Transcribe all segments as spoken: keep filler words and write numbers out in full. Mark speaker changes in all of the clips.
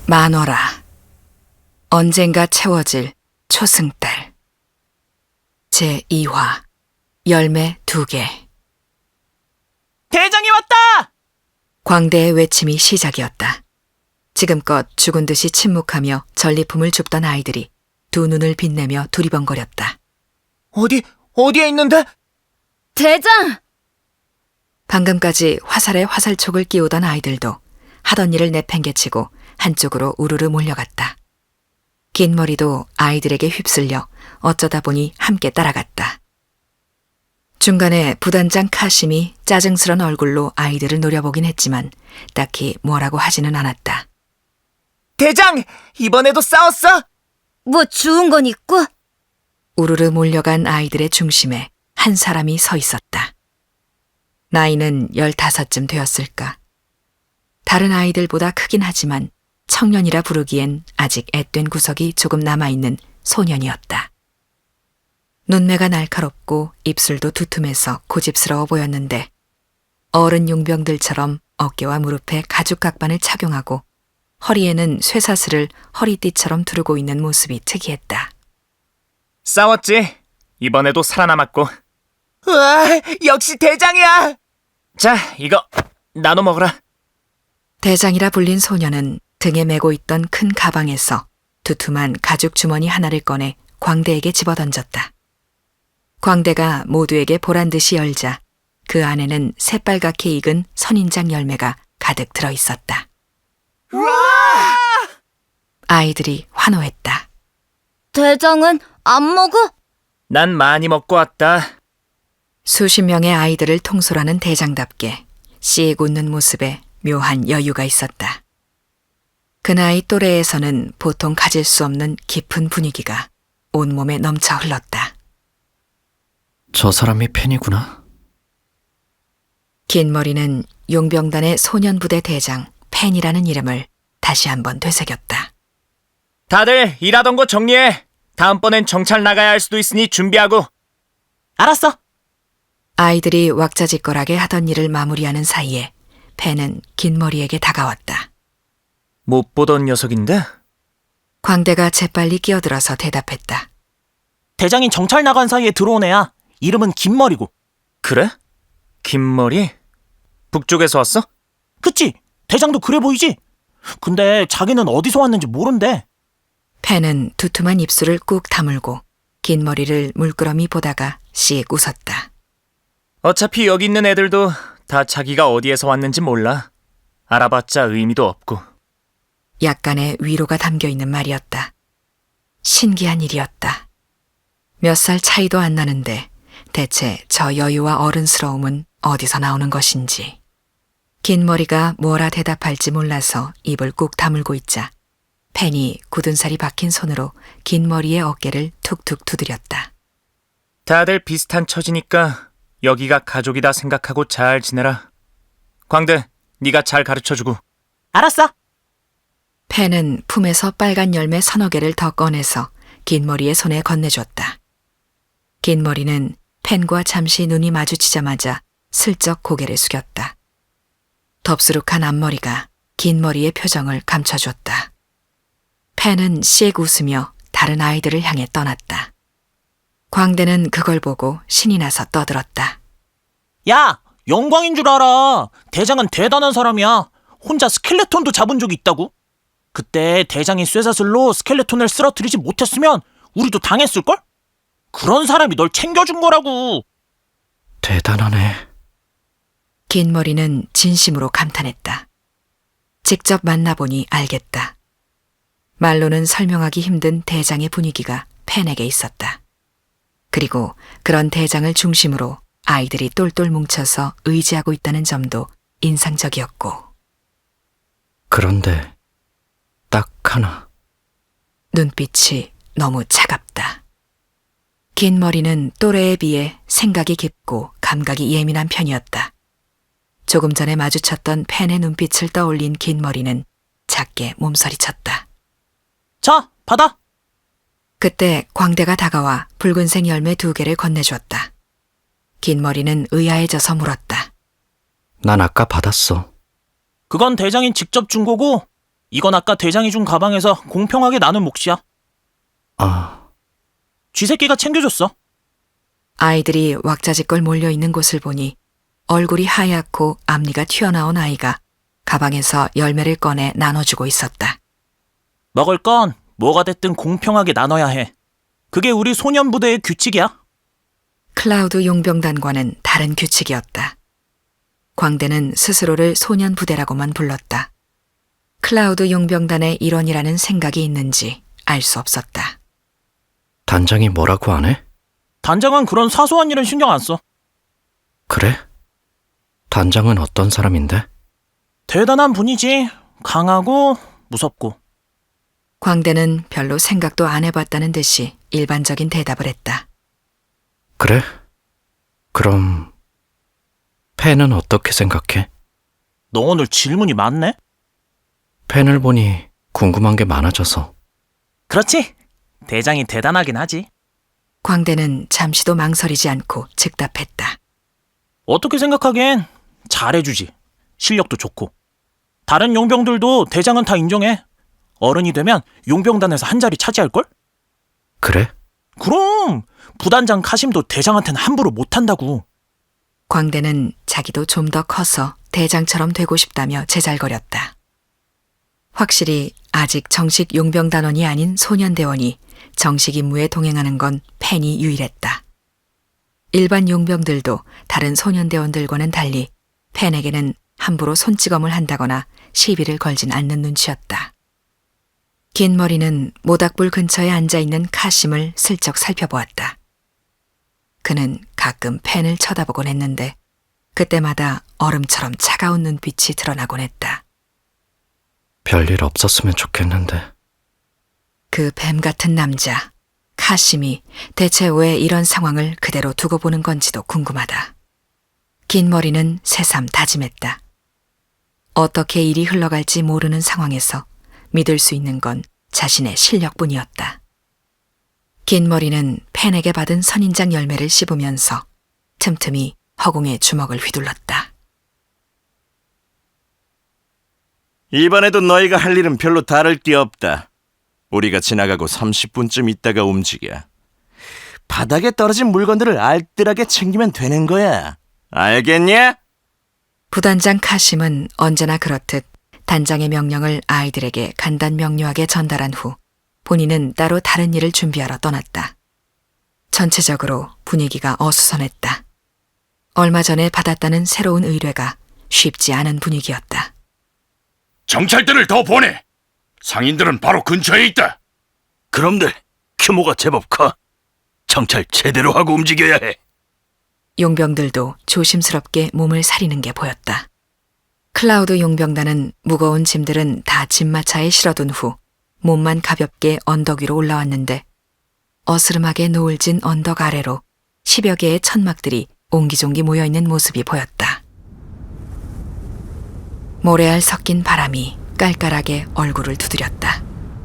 Speaker 1: 만월아, 언젠가 채워질 초승달. 제이 화, 열매 두 개.
Speaker 2: 대장이 왔다!
Speaker 1: 광대의 외침이 시작이었다. 지금껏 죽은 듯이 침묵하며 전리품을 줍던 아이들이 두 눈을 빛내며 두리번거렸다.
Speaker 2: 어디, 어디에 있는데?
Speaker 3: 대장!
Speaker 1: 방금까지 화살에 화살촉을 끼우던 아이들도 하던 일을 내팽개치고 한쪽으로 우르르 몰려갔다. 긴 머리도 아이들에게 휩쓸려 어쩌다 보니 함께 따라갔다. 중간에 부단장 카심이 짜증스런 얼굴로 아이들을 노려보긴 했지만 딱히 뭐라고 하지는 않았다.
Speaker 2: 대장! 이번에도 싸웠어?
Speaker 3: 뭐 주운 건 있고?
Speaker 1: 우르르 몰려간 아이들의 중심에 한 사람이 서 있었다. 나이는 열다섯쯤 되었을까. 다른 아이들보다 크긴 하지만 청년이라 부르기엔 아직 앳된 구석이 조금 남아있는 소년이었다. 눈매가 날카롭고 입술도 두툼해서 고집스러워 보였는데 어른 용병들처럼 어깨와 무릎에 가죽 각반을 착용하고 허리에는 쇠사슬을 허리띠처럼 두르고 있는 모습이 특이했다.
Speaker 4: 싸웠지? 이번에도 살아남았고.
Speaker 2: 우와, 역시 대장이야!
Speaker 4: 자, 이거 나눠 먹어라.
Speaker 1: 대장이라 불린 소년은 등에 메고 있던 큰 가방에서 두툼한 가죽 주머니 하나를 꺼내 광대에게 집어던졌다. 광대가 모두에게 보란듯이 열자 그 안에는 새빨갛게 익은 선인장 열매가 가득 들어있었다.
Speaker 2: 우와!
Speaker 1: 아이들이 환호했다.
Speaker 3: 대장은 안 먹어?
Speaker 4: 난 많이 먹고 왔다.
Speaker 1: 수십 명의 아이들을 통솔하는 대장답게 씩 웃는 모습에 묘한 여유가 있었다. 그 나이 또래에서는 보통 가질 수 없는 깊은 분위기가 온몸에 넘쳐 흘렀다.
Speaker 5: 저 사람이 팬이구나.
Speaker 1: 긴 머리는 용병단의 소년부대 대장 펜이라는 이름을 다시 한번 되새겼다.
Speaker 4: 다들 일하던 거 정리해. 다음번엔 정찰 나가야 할 수도 있으니 준비하고.
Speaker 2: 알았어.
Speaker 1: 아이들이 왁자지껄하게 하던 일을 마무리하는 사이에 펜은 긴 머리에게 다가왔다.
Speaker 4: 못 보던 녀석인데?
Speaker 1: 광대가 재빨리 끼어들어서 대답했다.
Speaker 2: 대장이 정찰 나간 사이에 들어온 애야. 이름은 김머리고.
Speaker 4: 그래? 긴 머리? 북쪽에서 왔어?
Speaker 2: 그치? 대장도 그래 보이지? 근데 자기는 어디서 왔는지 모른대.
Speaker 1: 펜은 두툼한 입술을 꾹 다물고 긴 머리를 물끄러미 보다가 씩 웃었다.
Speaker 4: 어차피 여기 있는 애들도 다 자기가 어디에서 왔는지 몰라. 알아봤자 의미도 없고.
Speaker 1: 약간의 위로가 담겨있는 말이었다. 신기한 일이었다. 몇 살 차이도 안 나는데 대체 저 여유와 어른스러움은 어디서 나오는 것인지. 긴 머리가 뭐라 대답할지 몰라서 입을 꾹 다물고 있자 펜이 굳은 살이 박힌 손으로 긴 머리의 어깨를 툭툭 두드렸다.
Speaker 4: 다들 비슷한 처지니까 여기가 가족이다 생각하고 잘 지내라. 광대, 네가 잘 가르쳐주고.
Speaker 2: 알았어.
Speaker 1: 펜은 품에서 빨간 열매 서너 개를 더 꺼내서 긴 머리의 손에 건네줬다. 긴 머리는 펜과 잠시 눈이 마주치자마자 슬쩍 고개를 숙였다. 덥수룩한 앞머리가 긴 머리의 표정을 감춰줬다. 펜은 씩 웃으며 다른 아이들을 향해 떠났다. 광대는 그걸 보고 신이 나서 떠들었다.
Speaker 2: 야, 영광인 줄 알아. 대장은 대단한 사람이야. 혼자 스켈레톤도 잡은 적이 있다고. 그때 대장이 쇠사슬로 스켈레톤을 쓰러뜨리지 못했으면 우리도 당했을걸? 그런 사람이 널 챙겨준 거라고.
Speaker 5: 대단하네.
Speaker 1: 긴 머리는 진심으로 감탄했다. 직접 만나보니 알겠다. 말로는 설명하기 힘든 대장의 분위기가 펜에게 있었다. 그리고 그런 대장을 중심으로 아이들이 똘똘 뭉쳐서 의지하고 있다는 점도 인상적이었고.
Speaker 5: 그런데 딱 하나.
Speaker 1: 눈빛이 너무 차갑다. 긴 머리는 또래에 비해 생각이 깊고 감각이 예민한 편이었다. 조금 전에 마주쳤던 펜의 눈빛을 떠올린 긴 머리는 작게 몸서리쳤다.
Speaker 2: 자, 받아.
Speaker 1: 그때 광대가 다가와 붉은색 열매 두 개를 건네주었다. 긴 머리는 의아해져서 물었다.
Speaker 5: 난 아까 받았어.
Speaker 2: 그건 대장이 직접 준 거고 이건 아까 대장이 준 가방에서 공평하게 나눈 몫이야.
Speaker 5: 아,
Speaker 2: 쥐새끼가 챙겨줬어.
Speaker 1: 아이들이 왁자지껄 몰려있는 곳을 보니 얼굴이 하얗고 앞니가 튀어나온 아이가 가방에서 열매를 꺼내 나눠주고 있었다.
Speaker 2: 먹을 건 뭐가 됐든 공평하게 나눠야 해. 그게 우리 소년부대의 규칙이야.
Speaker 1: 클라우드 용병단과는 다른 규칙이었다. 광대는 스스로를 소년부대라고만 불렀다. 클라우드 용병단의 일원이라는 생각이 있는지 알 수 없었다.
Speaker 5: 단장이 뭐라고 안 해?
Speaker 2: 단장은 그런 사소한 일은 신경 안 써.
Speaker 5: 그래? 단장은 어떤 사람인데?
Speaker 2: 대단한 분이지. 강하고 무섭고.
Speaker 1: 광대는 별로 생각도 안 해봤다는 듯이 일반적인 대답을 했다.
Speaker 5: 그래? 그럼 펜은 어떻게 생각해?
Speaker 2: 너 오늘 질문이 많네?
Speaker 5: 펜을 보니 궁금한 게 많아져서.
Speaker 2: 그렇지. 대장이 대단하긴 하지.
Speaker 1: 광대는 잠시도 망설이지 않고 즉답했다.
Speaker 2: 어떻게 생각하기엔 잘해주지. 실력도 좋고. 다른 용병들도 대장은 다 인정해. 어른이 되면 용병단에서 한 자리 차지할걸?
Speaker 5: 그래?
Speaker 2: 그럼 부단장 카심도 대장한테는 함부로 못한다고.
Speaker 1: 광대는 자기도 좀 더 커서 대장처럼 되고 싶다며 제잘거렸다. 확실히 아직 정식 용병단원이 아닌 소년대원이 정식 임무에 동행하는 건 펜이 유일했다. 일반 용병들도 다른 소년대원들과는 달리 펜에게는 함부로 손찌검을 한다거나 시비를 걸진 않는 눈치였다. 긴 머리는 모닥불 근처에 앉아있는 카심을 슬쩍 살펴보았다. 그는 가끔 펜을 쳐다보곤 했는데 그때마다 얼음처럼 차가운 눈빛이 드러나곤 했다.
Speaker 5: 별일 없었으면 좋겠는데.
Speaker 1: 그 뱀 같은 남자, 카심이 대체 왜 이런 상황을 그대로 두고 보는 건지도 궁금하다. 긴 머리는 새삼 다짐했다. 어떻게 일이 흘러갈지 모르는 상황에서 믿을 수 있는 건 자신의 실력뿐이었다. 긴 머리는 펜에게 받은 선인장 열매를 씹으면서 틈틈이 허공에 주먹을 휘둘렀다.
Speaker 6: 이번에도 너희가 할 일은 별로 다를 게 없다. 우리가 지나가고 삼십 분쯤 있다가 움직여. 바닥에 떨어진 물건들을 알뜰하게 챙기면 되는 거야. 알겠냐?
Speaker 1: 부단장 카심은 언제나 그렇듯 단장의 명령을 아이들에게 간단명료하게 전달한 후 본인은 따로 다른 일을 준비하러 떠났다. 전체적으로 분위기가 어수선했다. 얼마 전에 받았다는 새로운 의뢰가 쉽지 않은 분위기였다.
Speaker 7: 정찰대를 더 보내. 상인들은 바로 근처에 있다.
Speaker 6: 그럼들 규모가 제법 커. 정찰 제대로 하고 움직여야 해.
Speaker 1: 용병들도 조심스럽게 몸을 사리는 게 보였다. 클라우드 용병단은 무거운 짐들은 다 짐마차에 실어둔 후 몸만 가볍게 언덕 위로 올라왔는데 어스름하게 노을진 언덕 아래로 십여 개의 천막들이 옹기종기 모여있는 모습이 보였다. 모래알 섞인 바람이 깔깔하게 얼굴을 두드렸다.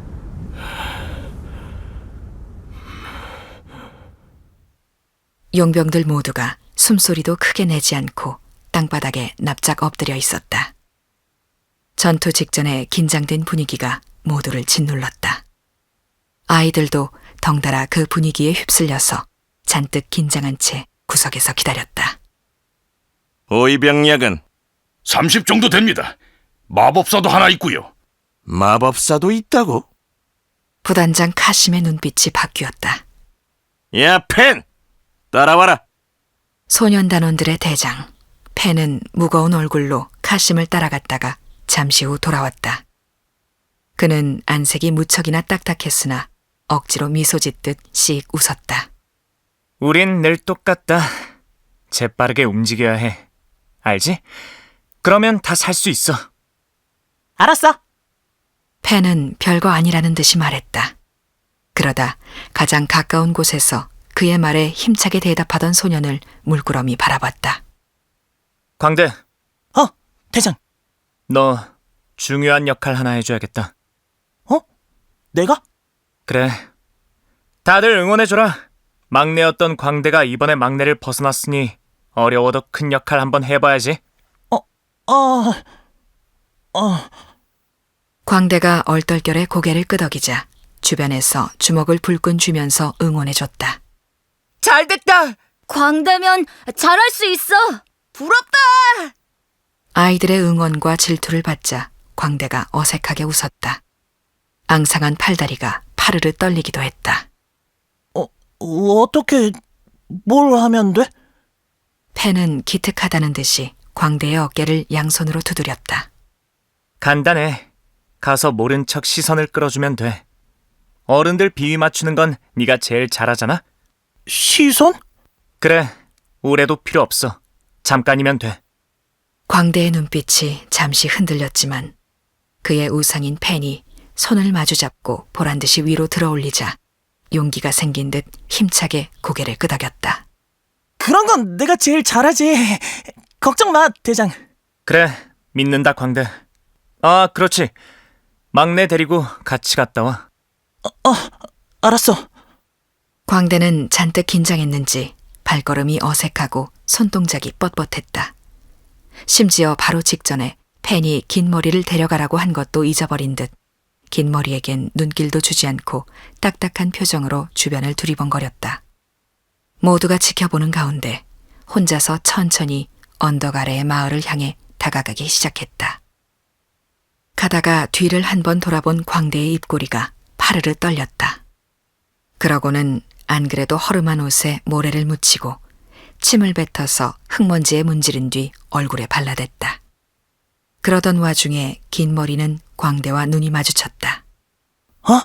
Speaker 1: 용병들 모두가 숨소리도 크게 내지 않고 땅바닥에 납작 엎드려 있었다. 전투 직전에 긴장된 분위기가 모두를 짓눌렀다. 아이들도 덩달아 그 분위기에 휩쓸려서 잔뜩 긴장한 채 구석에서 기다렸다.
Speaker 6: 오이병약은
Speaker 7: 삼십 정도 됩니다. 마법사도 하나 있고요.
Speaker 6: 마법사도 있다고?
Speaker 1: 부단장 카심의 눈빛이 바뀌었다.
Speaker 6: 야, 펜! 따라와라.
Speaker 1: 소년단원들의 대장, 펜은 무거운 얼굴로 카심을 따라갔다가 잠시 후 돌아왔다. 그는 안색이 무척이나 딱딱했으나 억지로 미소 짓듯 씩 웃었다.
Speaker 4: 우린 늘 똑같다. 재빠르게 움직여야 해. 알지? 그러면 다 살 수 있어.
Speaker 2: 알았어.
Speaker 1: 펜은 별거 아니라는 듯이 말했다. 그러다 가장 가까운 곳에서 그의 말에 힘차게 대답하던 소년을 물끄러미 바라봤다.
Speaker 4: 광대,
Speaker 2: 어, 대장.
Speaker 4: 너 중요한 역할 하나 해줘야겠다.
Speaker 2: 어? 내가?
Speaker 4: 그래. 다들 응원해줘라. 막내였던 광대가 이번에 막내를 벗어났으니 어려워도 큰 역할 한번 해봐야지.
Speaker 2: 어, 어...
Speaker 1: 광대가 얼떨결에 고개를 끄덕이자 주변에서 주먹을 불끈 쥐면서 응원해줬다.
Speaker 4: 잘됐다!
Speaker 3: 광대면 잘할 수 있어.
Speaker 4: 부럽다!
Speaker 1: 아이들의 응원과 질투를 받자 광대가 어색하게 웃었다. 앙상한 팔다리가 파르르 떨리기도 했다.
Speaker 2: 어, 어떻게, 뭘 하면 돼?
Speaker 1: 펜은 기특하다는 듯이 광대의 어깨를 양손으로 두드렸다.
Speaker 4: 간단해. 가서 모른 척 시선을 끌어주면 돼. 어른들 비위 맞추는 건 네가 제일 잘하잖아.
Speaker 2: 시선?
Speaker 4: 그래, 오래도 필요 없어. 잠깐이면 돼.
Speaker 1: 광대의 눈빛이 잠시 흔들렸지만 그의 우상인 펜이 손을 마주잡고 보란듯이 위로 들어올리자 용기가 생긴 듯 힘차게 고개를 끄덕였다.
Speaker 2: 그런 건 내가 제일 잘하지. 걱정 마, 대장.
Speaker 4: 그래, 믿는다, 광대. 아, 그렇지. 막내 데리고 같이 갔다 와.
Speaker 2: 알았어.
Speaker 1: 광대는 잔뜩 긴장했는지 발걸음이 어색하고 손동작이 뻣뻣했다. 심지어 바로 직전에 펜이 긴 머리를 데려가라고 한 것도 잊어버린 듯 긴 머리에겐 눈길도 주지 않고 딱딱한 표정으로 주변을 두리번거렸다. 모두가 지켜보는 가운데 혼자서 천천히 언덕 아래의 마을을 향해 다가가기 시작했다. 가다가 뒤를 한 번 돌아본 광대의 입꼬리가 파르르 떨렸다. 그러고는 안 그래도 허름한 옷에 모래를 묻히고 침을 뱉어서 흙먼지에 문지른 뒤 얼굴에 발라댔다. 그러던 와중에 긴 머리는 광대와 눈이 마주쳤다.
Speaker 2: 어?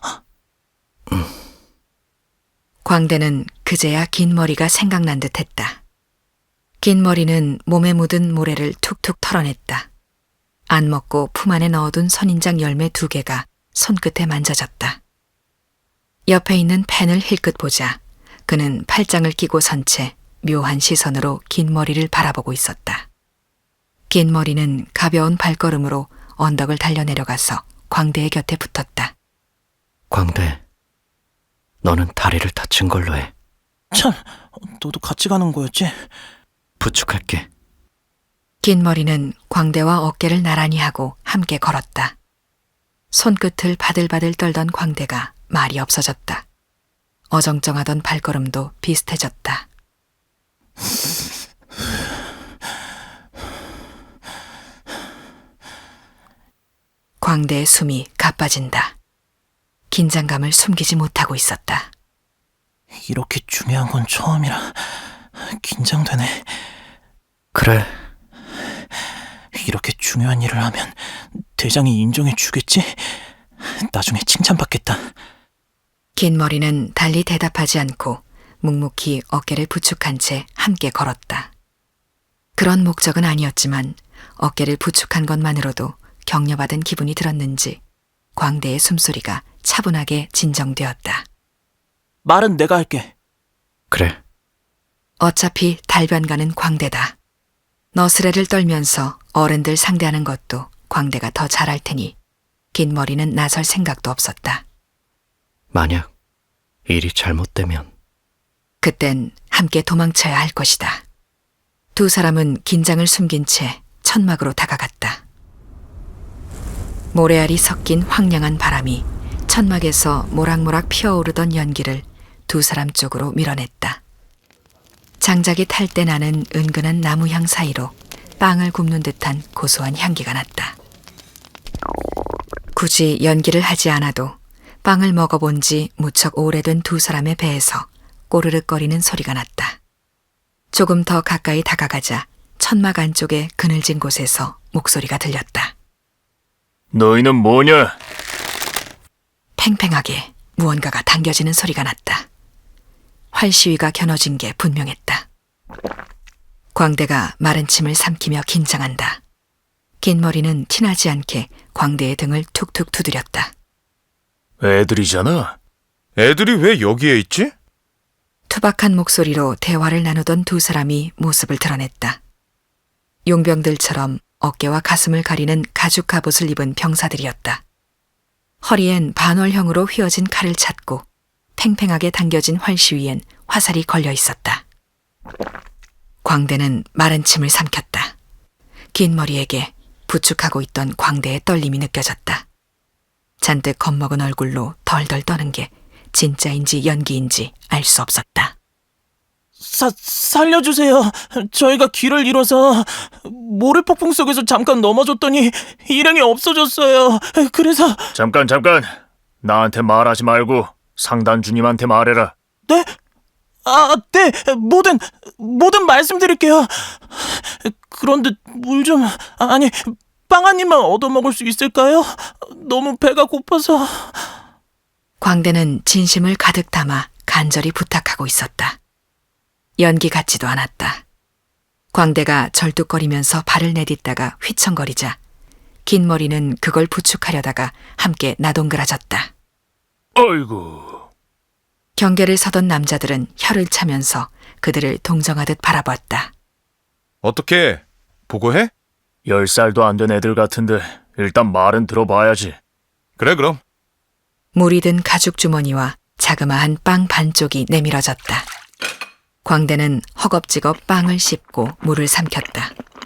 Speaker 1: 광대는 그제야 긴 머리가 생각난 듯 했다. 긴 머리는 몸에 묻은 모래를 툭툭 털어냈다. 안 먹고 품 안에 넣어둔 선인장 열매 두 개가 손끝에 만져졌다. 옆에 있는 펜을 힐끗 보자 그는 팔짱을 끼고 선 채 묘한 시선으로 긴 머리를 바라보고 있었다. 긴 머리는 가벼운 발걸음으로 언덕을 달려내려가서 광대의 곁에 붙었다.
Speaker 5: 광대, 너는 다리를 다친 걸로 해.
Speaker 2: 참, 너도 같이 가는 거였지?
Speaker 5: 부축할게.
Speaker 1: 긴 머리는 광대와 어깨를 나란히 하고 함께 걸었다. 손끝을 바들바들 떨던 광대가 말이 없어졌다. 어정쩡하던 발걸음도 비슷해졌다. 광대의 숨이 가빠진다. 긴장감을 숨기지 못하고 있었다.
Speaker 2: 이렇게 중요한 건 처음이라 긴장되네.
Speaker 5: 그래,
Speaker 2: 이렇게 중요한 일을 하면 대장이 인정해 주겠지? 나중에 칭찬받겠다.
Speaker 1: 긴 머리는 달리 대답하지 않고 묵묵히 어깨를 부축한 채 함께 걸었다. 그런 목적은 아니었지만 어깨를 부축한 것만으로도 격려받은 기분이 들었는지 광대의 숨소리가 차분하게 진정되었다.
Speaker 2: 말은 내가 할게.
Speaker 5: 그래.
Speaker 1: 어차피 달변가는 광대다. 너스레를 떨면서 어른들 상대하는 것도 광대가 더 잘할 테니 긴 머리는 나설 생각도 없었다.
Speaker 5: 만약 일이 잘못되면
Speaker 1: 그땐 함께 도망쳐야 할 것이다. 두 사람은 긴장을 숨긴 채 천막으로 다가갔다. 모래알이 섞인 황량한 바람이 천막에서 모락모락 피어오르던 연기를 두 사람 쪽으로 밀어냈다. 장작이 탈 때 나는 은근한 나무향 사이로 빵을 굽는 듯한 고소한 향기가 났다. 굳이 연기를 하지 않아도 빵을 먹어본 지 무척 오래된 두 사람의 배에서 꼬르륵거리는 소리가 났다. 조금 더 가까이 다가가자 천막 안쪽의 그늘진 곳에서 목소리가 들렸다.
Speaker 4: 너희는 뭐냐?
Speaker 1: 팽팽하게 무언가가 당겨지는 소리가 났다. 활시위가 겨눠진 게 분명했다. 광대가 마른 침을 삼키며 긴장한다. 긴 머리는 티나지 않게 광대의 등을 툭툭 두드렸다.
Speaker 7: 애들이잖아. 애들이 왜 여기에 있지?
Speaker 1: 투박한 목소리로 대화를 나누던 두 사람이 모습을 드러냈다. 용병들처럼 어깨와 가슴을 가리는 가죽 갑옷을 입은 병사들이었다. 허리엔 반월형으로 휘어진 칼을 찾고 팽팽하게 당겨진 활시 위엔 화살이 걸려 있었다. 광대는 마른 침을 삼켰다. 긴 머리에게 부축하고 있던 광대의 떨림이 느껴졌다. 잔뜩 겁먹은 얼굴로 덜덜 떠는 게 진짜인지 연기인지 알 수 없었다.
Speaker 2: 사, 살려주세요. 저희가 길을 잃어서 모래폭풍 속에서 잠깐 넘어졌더니 일행이 없어졌어요. 그래서...
Speaker 4: 잠깐 잠깐. 나한테 말하지 말고 상단주님한테 말해라.
Speaker 2: 네? 아, 네. 뭐든, 뭐든 말씀드릴게요. 그런데 물 좀... 아니, 빵 한 입만 얻어먹을 수 있을까요? 너무 배가 고파서...
Speaker 1: 광대는 진심을 가득 담아 간절히 부탁하고 있었다. 연기 같지도 않았다. 광대가 절뚝거리면서 발을 내딛다가 휘청거리자 긴 머리는 그걸 부축하려다가 함께 나동그라졌다.
Speaker 4: 어이구.
Speaker 1: 경계를 서던 남자들은 혀를 차면서 그들을 동정하듯 바라봤다.
Speaker 8: 어떻게 보고해?
Speaker 4: 열 살도 안 된 애들 같은데 일단 말은 들어봐야지.
Speaker 8: 그래 그럼.
Speaker 1: 물이 든 가죽 주머니와 자그마한 빵 반쪽이 내밀어졌다. 광대는 허겁지겁 빵을 씹고 물을 삼켰다.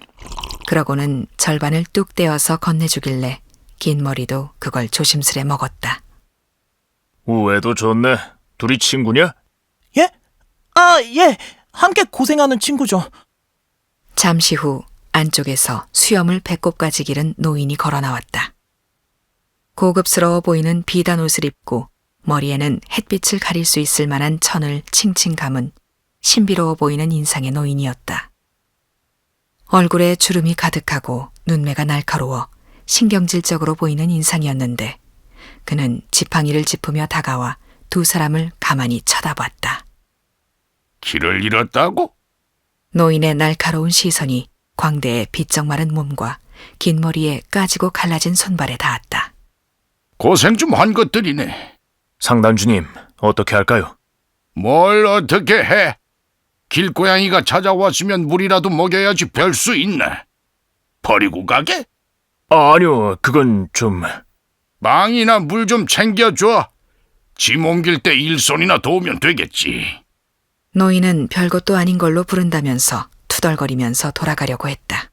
Speaker 1: 그러고는 절반을 뚝 떼어서 건네주길래 긴 머리도 그걸 조심스레 먹었다.
Speaker 4: 우애도 좋네. 둘이 친구냐?
Speaker 2: 예? 아, 예. 함께 고생하는 친구죠.
Speaker 1: 잠시 후 안쪽에서 수염을 배꼽까지 기른 노인이 걸어 나왔다. 고급스러워 보이는 비단 옷을 입고 머리에는 햇빛을 가릴 수 있을 만한 천을 칭칭 감은 신비로워 보이는 인상의 노인이었다. 얼굴에 주름이 가득하고 눈매가 날카로워 신경질적으로 보이는 인상이었는데 그는 지팡이를 짚으며 다가와 두 사람을 가만히 쳐다봤다.
Speaker 7: 길을 잃었다고?
Speaker 1: 노인의 날카로운 시선이 광대의 비쩍 마른 몸과 긴 머리에 까지고 갈라진 손발에 닿았다.
Speaker 7: 고생 좀 한 것들이네.
Speaker 4: 상단주님, 어떻게 할까요?
Speaker 7: 뭘 어떻게 해? 길고양이가 찾아왔으면 물이라도 먹여야지 별 수 있나? 버리고 가게?
Speaker 4: 아, 아니요, 그건 좀...
Speaker 7: 빵이나 물 좀 챙겨줘. 짐 옮길 때 일손이나 도우면 되겠지.
Speaker 1: 노인은 별것도 아닌 걸로 부른다면서 투덜거리면서 돌아가려고 했다.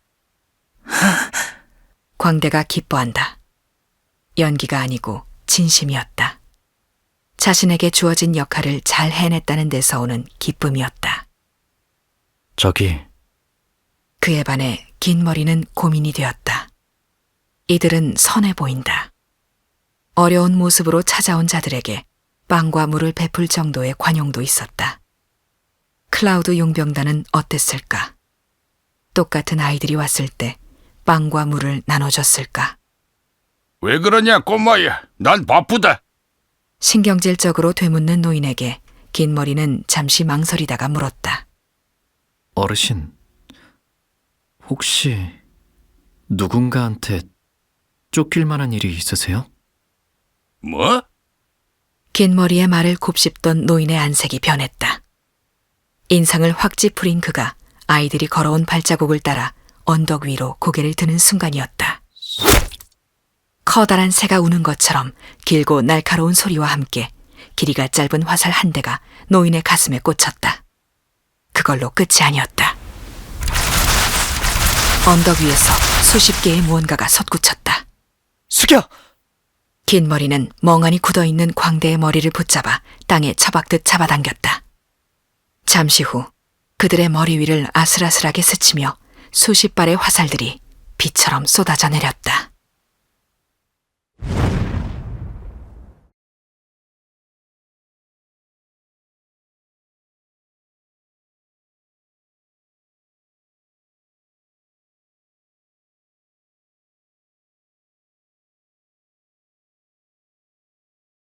Speaker 1: 광대가 기뻐한다. 연기가 아니고 진심이었다. 자신에게 주어진 역할을 잘 해냈다는 데서 오는 기쁨이었다.
Speaker 5: 저기,
Speaker 1: 그에 반해 긴 머리는 고민이 되었다. 이들은 선해 보인다. 어려운 모습으로 찾아온 자들에게 빵과 물을 베풀 정도의 관용도 있었다. 클라우드 용병단은 어땠을까? 똑같은 아이들이 왔을 때 빵과 물을 나눠줬을까?
Speaker 7: 왜 그러냐 꼬마야. 난 바쁘다.
Speaker 1: 신경질적으로 되묻는 노인에게 긴 머리는 잠시 망설이다가 물었다.
Speaker 5: 어르신, 혹시 누군가한테 쫓길 만한 일이 있으세요?
Speaker 7: 뭐?
Speaker 1: 긴 머리의 말을 곱씹던 노인의 안색이 변했다. 인상을 확 찌푸린 그가 아이들이 걸어온 발자국을 따라 언덕 위로 고개를 드는 순간이었다. 커다란 새가 우는 것처럼 길고 날카로운 소리와 함께 길이가 짧은 화살 한 대가 노인의 가슴에 꽂혔다. 그걸로 끝이 아니었다. 언덕 위에서 수십 개의 무언가가 솟구쳤다.
Speaker 2: 숙여!
Speaker 1: 긴 머리는 멍하니 굳어있는 광대의 머리를 붙잡아 땅에 처박듯 잡아당겼다. 잠시 후 그들의 머리 위를 아슬아슬하게 스치며 수십 발의 화살들이 비처럼 쏟아져 내렸다.